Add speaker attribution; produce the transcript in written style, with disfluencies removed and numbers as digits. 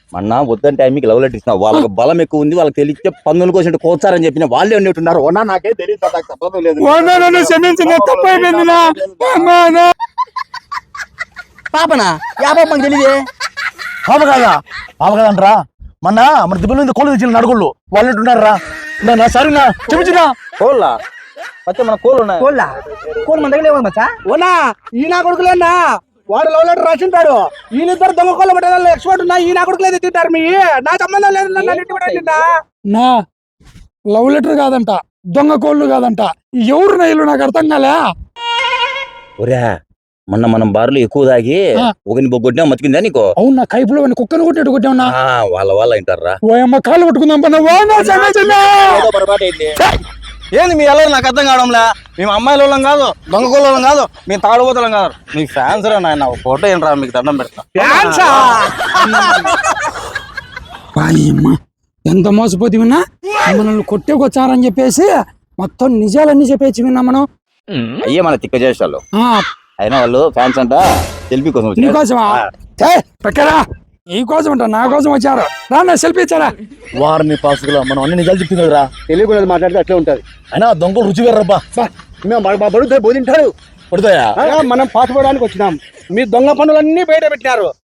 Speaker 1: మొన్న వద్దని టైంకి లవ్ లెటర్ ఇస్తున్నా వాళ్ళకి బలం ఎక్కువ ఉంది వాళ్ళకి తెలిస్తే పందులు కోసినట్టు కోచారని చెప్పిన వాళ్ళే ఉన్నట్టున్నారు ఓనా నాకే తెలియదు నాకు సంబంధం లేదు పాపనా యా పాపం తెలియదే
Speaker 2: పాప కాదా అంటారా మొన్న మన దిబ్బల మీద కోళ్ళు తెచ్చిన నడుగుళ్ళు వాళ్ళు ఉంటున్నారా నా సరేనా చెప్తున్నా
Speaker 1: కోళ్ళ ಮತ್ತೆ మన కోళ్ళు ఉన్నాయి
Speaker 3: కోళ్ళు మన దగ్గర మచ్చా ఓనా ఈ నా కొడుకులేనా వాడు లవ్ లెటర్ రాసింటాడు ఈయనిద్దరు దొంగ కోళ్ళ పట్టాలి ఎక్స్పర్ట్ ఉన్నా ఈ నా కొడుకులే తింటారు మీ నా సంబంధం లేదు
Speaker 4: నా లవ్ లెటర్ కాదంట దొంగ కోళ్ళు కాదంట ఎవరు నైలు నాకు అర్థం కాలే
Speaker 1: ఒరే మొన్న మనం బారులు ఎక్కువ తాగి ఒకని బొగ్గొట్టినా మతికిందా నీకు
Speaker 4: అవును నా కైపులో కుక్కను కొట్టినట్టు కొట్టావునా
Speaker 1: వాళ్ళ వింటారా
Speaker 4: ఓ అమ్మ కాళ్ళు పట్టుకుందాం
Speaker 2: ఏంది మీ ఎలా నాకు అర్థం కావడంలే మేము అమ్మాయిల వాళ్ళం కాదు దొంగ కోళ్ళం కాదు మేము తాడుబోతలం కాదు మీకు ఫ్యాన్స్ రా నాయన ఫోటో ఏంట్రా మీకు దండం పెడతా
Speaker 4: ఎంత మోసపోతే విన్నా మనల్ని కొట్టేకొచ్చారని చెప్పేసి మొత్తం నిజాలన్నీ చెప్పేసి విన్నా మనం
Speaker 1: అయ్యే మన తిక్క చేసాలు అయినా వాళ్ళు ఫ్యాన్స్ అంట సెల్ఫీ కోసం
Speaker 4: నీకోసమా పక్కరా ఈ కోసం అంట నా కోసం వచ్చారు రా సెల్ఫీ ఇచ్చారా
Speaker 2: వారిని పాసుకులా మనం అన్ని నిజాలు చెప్తుంది కదరా
Speaker 3: తెలియకుండా మాట్లాడితే అట్లే ఉంటది
Speaker 2: అయినా దొంగలు రుచి వేర్రబ్బా
Speaker 3: మేము బడుతాయి బోధింటారు
Speaker 2: పడుతాయా
Speaker 3: మనం పాటుపడడానికి వచ్చినాం మీ దొంగ పనులన్నీ బయట పెట్టినారు